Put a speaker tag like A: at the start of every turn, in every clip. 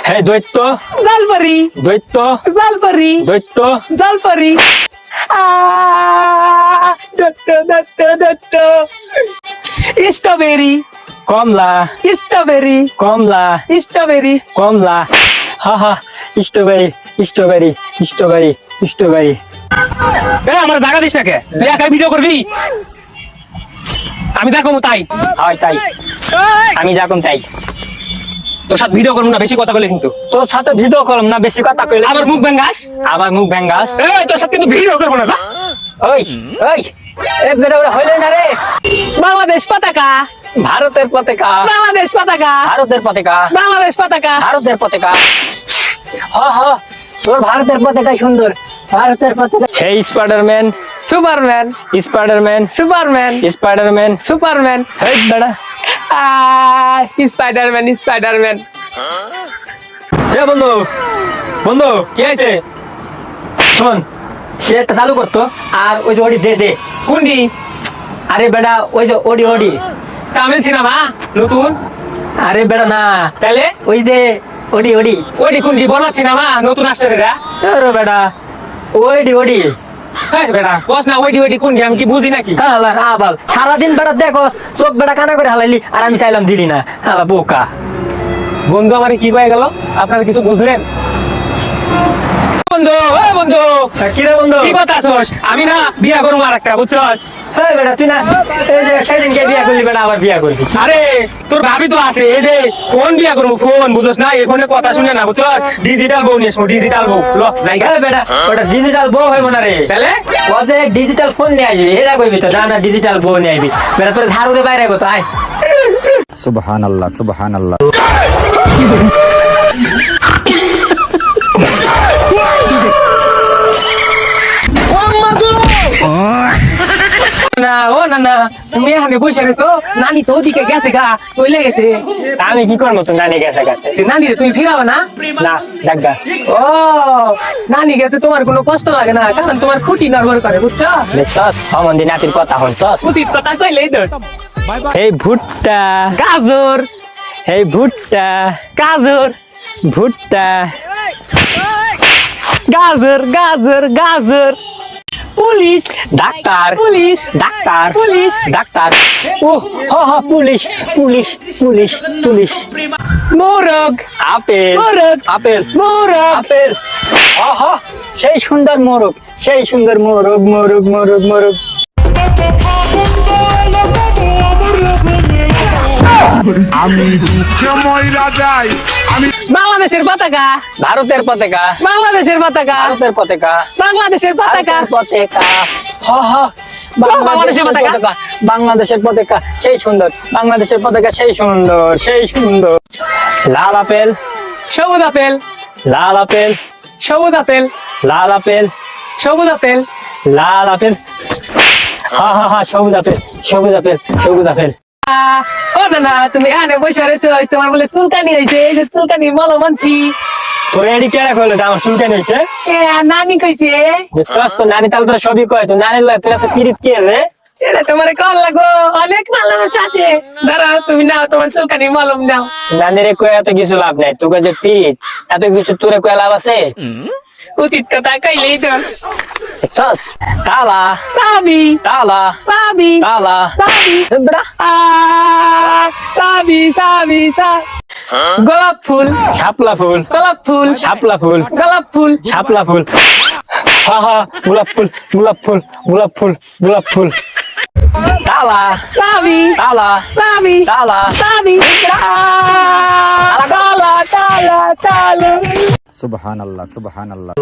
A: হে দৈত্য
B: জালপারি
A: দৈত্য
B: জালপারি
A: দৈত্য
B: জালপারি দত্ত দত্ত দত্ত স্ট্রবেরি
A: কমলা
B: স্ট্রবেরি
A: কমলা
B: স্ট্রবেরি
A: কমলা হা হা স্ট্রবেরি স্ট্রবেরি স্ট্রবেরি স্ট্রবেরি
B: এ আমার জায়গা দিস নাকি তুই একাই ভিডিও করবি আমি দেখো তাই
A: হয় তাই আমি যখন তাই
B: তোর সাথে ভিডিও করবো না বেশি কথা বলে কিন্তু
A: তোর সাথে ভিডিও করলাম না বেশি কথা কইলে
B: আবার মুখ ভেঙ্গাস
A: আবার মুখ ভেঙ্গাস
B: এই তোর সাথে কিন্তু ভিডিও করবো না
A: ওই ওই এ বেটা ওরা হইলে না রে
B: বাংলাদেশ পতাকা
A: ভারতের পতাকা
B: বাংলাদেশ পতাকা
A: ভারতের পতাকা
B: বাংলাদেশ পতাকা
A: ভারতের পতাকা হ হ তোর ভারতের পতাকা সুন্দর ভারতের পতাকা hey Spiderman
B: Superman
A: Spiderman
B: Superman
A: Spiderman
B: Superman
A: hey বেটা
B: স্পাইডারম্যান স্পাইডারম্যান
A: এ বন্ধু বন্ধু
B: কি হয়েছে
A: শোন সে একটা চালু করতো আর ওই যে ওডি দে দে
B: কোনটি
A: আরে বেটা ওই যে ওডি ওডি
B: তামিল সিনেমা নতুন
A: আরে বেটা না
B: তাহলে
A: ওই যে ওডি ওডি
B: ওইটি কোনটি বলা সিনেমা নতুন আসছে এটা
A: আরে বেটা ওডি ওডি
B: হ্যাঁ বেটা বস না ওইটি ওইটি কোনটি আমি কি বুঝি নাকি
A: হালা আবাল সারাদিন বেটা দেখো চোখ বেটা কানা করে হালাইলি আর আমি চাইলাম দিলি না হালা বোকা
B: বন্ধু আমার কি কয়ে গেল আপনারা কিছু বুঝলেন বন্ধু ও বন্ধু
A: কি রে বন্ধু
B: কি কথা আছোস আমি না বিয়া করবো আর একটা বুঝছস
A: হ্যাঁ বেটা তুই না এই যে সেদিনকে বিয়া করলি বেটা আবার বিয়া করবি
B: আরে তোর ভাবি তো আছে এই যে ফোন বিয়া করবো ফোন বুঝছস না এই ফোনে কথা শুনে না বুঝছস ডিজিটাল বউ নিয়ে ডিজিটাল বউ ল জায়গা
A: হ্যাঁ বেটা ওটা ডিজিটাল বউ হইব না রে
B: তাহলে
A: ও যে ডিজিটাল ফোন নিয়ে আসবি এটা কইবি তো না ডিজিটাল বউ নিয়ে আসবি বেটা তোর ঝাড়ু দিয়ে বাইরে তো আয়
C: সুবহানাল্লাহ সুবহানাল্লাহ
B: না ও না না তুমি এখানে বসে গেছো নানি তো ওদিকে গেছে গা চলে গেছে
A: আমি কি করবো তো নানি গেছে গাতে
B: নানি রে তুমি ফিরাবে না
A: না ডাকগা
B: ও নানি গেছে তোমার কোনো কষ্ট লাগে না কারণ তোমার খুঁটি নড়বড় করে বুঝছো
A: দেখছস অমন্দি নাতির কথা হনছস
B: উচিত কথা কইলেই দোষ
A: এই ভুট্টা
B: গাজর
A: এই ভুট্টা
B: গাজর
A: ভুট্টা
B: গাজর গাজর গাজর police
A: doctor
B: police
A: doctor
B: police
A: doctor ও হ হ পুলিশ পুলিশ পুলিশ পুলিশ
B: মোরগ
A: আপেল
B: মোরগ
A: আপেল
B: মোরগ
A: আপেল হ হ সেই সুন্দর মোরগ সেই সুন্দর মোরগ মোরগ মোরগ মোরগ
C: আমি দুঃখে ময়রা যাই আমি
B: বাংলাদেশের পতাকা
A: ভারতের পতাকা
B: বাংলাদেশের পতাকা
A: ভারতের পতাকা
B: বাংলাদেশের পতাকা
A: ভারতের পতাকা হ হ
B: বাংলাদেশের পতাকা।
A: বাংলাদেশের পতাকা সেই সুন্দর বাংলাদেশের পতাকা সেই সুন্দর সেই সুন্দর লাল আপেল
B: সবুজ আপেল
A: লাল আপেল
B: সবুজ আপেল
A: লাল আপেল
B: সবুজ আপেল
A: লাল আপেল হা হা হা সবুজ আপেল সবুজ আপেল সবুজ আপেল
B: ও না না তুমি এখানে বসে রয়েছো তোমার বলে চুলকানি হয়েছে এই যে চুলকানি মলো মানছি
A: তোর এডি কেডা কইলো আমার চুলকানি হইছে
B: এ নানি কইছে
A: দেখছস তো নানি তাহলে তোর সবই কয় তো নানির লয় তোরা তো পিরিত কে রে
B: এটা তোমার কল লাগো অনেক ভালোবাসা আছে দাঁড়াও তুমি নাও তোমার চুলকানি মলম দাও
A: নানিরে কয় এত কিছু লাভ নাই তোকে যে পিরিত এত কিছু তোরে কয় লাভ আছে
B: উচিত কথা কইলেই দোষ
A: দেখছস তালা
B: সাবি
A: তালা
B: সাবি
A: তালা
B: সাবি
A: বেড়া
B: সাবি সাবি গোলাপ ফুল
A: শাপলা ফুল
B: গোলাপ ফুল
A: শাপলা ফুল
B: গোলাপ ফুল
A: শাপলা ফুল হা হা গোলাপ ফুল গোলাপ ফুল গোলাপ ফুল গোলাপ ফুল তালা
B: সাবি
A: তালা
B: সাবি
A: তালা
B: সাবি তালা তালা তালা
C: সুবহানাল্লাহ সুবহানাল্লাহ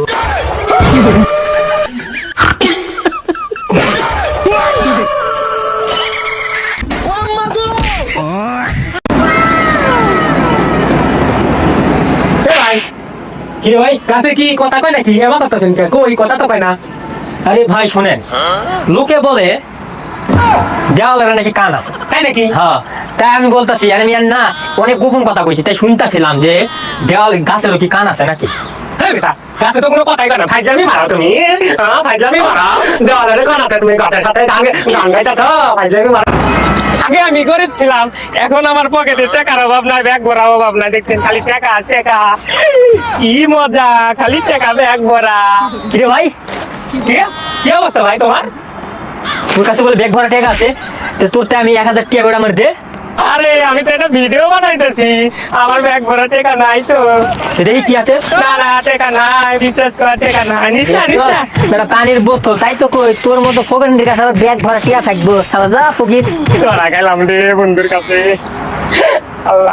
A: কি রে ভাই
B: কাছে কি কথা কয় নাকি এবার করতেছেন কে কই কথা তো কয় না
A: আরে ভাই শুনেন লোকে বলে দেওয়ালের নাকি কান আছে
B: তাই নাকি
A: হ্যাঁ তাই আমি বলতেছি আরে মিয়ান না অনেক গোপন কথা কইছি তাই শুনতেছিলাম যে দেওয়াল গাছেরও কি কান আছে নাকি
B: হ্যাঁ বেটা গাছে তো কোনো কথাই কয় না ফাইজলামি মারো তুমি ফাইজলামি মারো দেওয়ালের কান আছে তুমি গাছের সাথে গান গাইতেছ ফাইজলামি মারো আগে আমি গরিব ছিলাম, এখন আমার পকেটে টাকার অভাব নাই, ব্যাগ ভরা অভাব নাই, দেখছেন খালি টাকা টাকা। কি মজা, খালি টাকা ব্যাগ ভরা।
A: কিরে ভাই,
B: কি কি অবস্থা ভাই তোমার?
A: তোর কাছে বলে ব্যাগ ভরা টাকা আছে, তো তোরতে আমি 1000 টাকা করে আমার দে।
B: আরে আমি তো একটা ভিডিও বানাইতেছি, আমার ব্যাগ ভরা টাকা নাই তো।
A: সেটাই কি আছে?
B: না না টাকা নাই, বিশ্বাস কর টাকা নাই, নিস না নিস না।
A: বেটা পানির বোতল, তাই তো কই তোর মতো ফকিরের কাছে আবার ব্যাগ ভরা টাকা থাকবো, শালা যা ফকির।
B: ধরা গেলাম রে বন্ধুর কাছে। আল্লাহ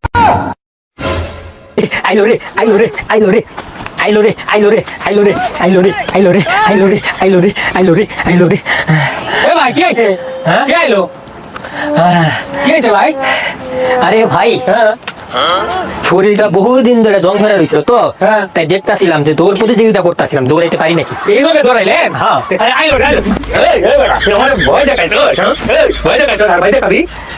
A: আইলো রে, আইলো রে, আইলো রে, আইলো রে, আইলো রে, আইলো রে, আইলো রে, আইলো রে, আইলো রে, আইলো রে, আইলো রে, আইলো রে।
B: এ ভাই কি হয়েছে?
A: হ্যাঁ?
B: কি আইলো? কি হয়েছে ভাই?
A: আরে ভাই,
B: হ্যাঁ
A: শরীরটা বহুদিন ধরে জং ধরে রয়েছিল তো,
B: হ্যাঁ।
A: তাই দেখতাছিলাম যে দৌড় প্রতিযোগিতা করতেছিলাম, দৌড়াইতে পারি নাকি।
B: এইভাবে ধরাইলেন?
A: হ্যাঁ।
B: আইলো আইলো। এই বেটা, তুই আমার ভয় দেখাইছো, হ্যাঁ? এই, ভয় দেখাইছো, আর ভয় দেখাবি?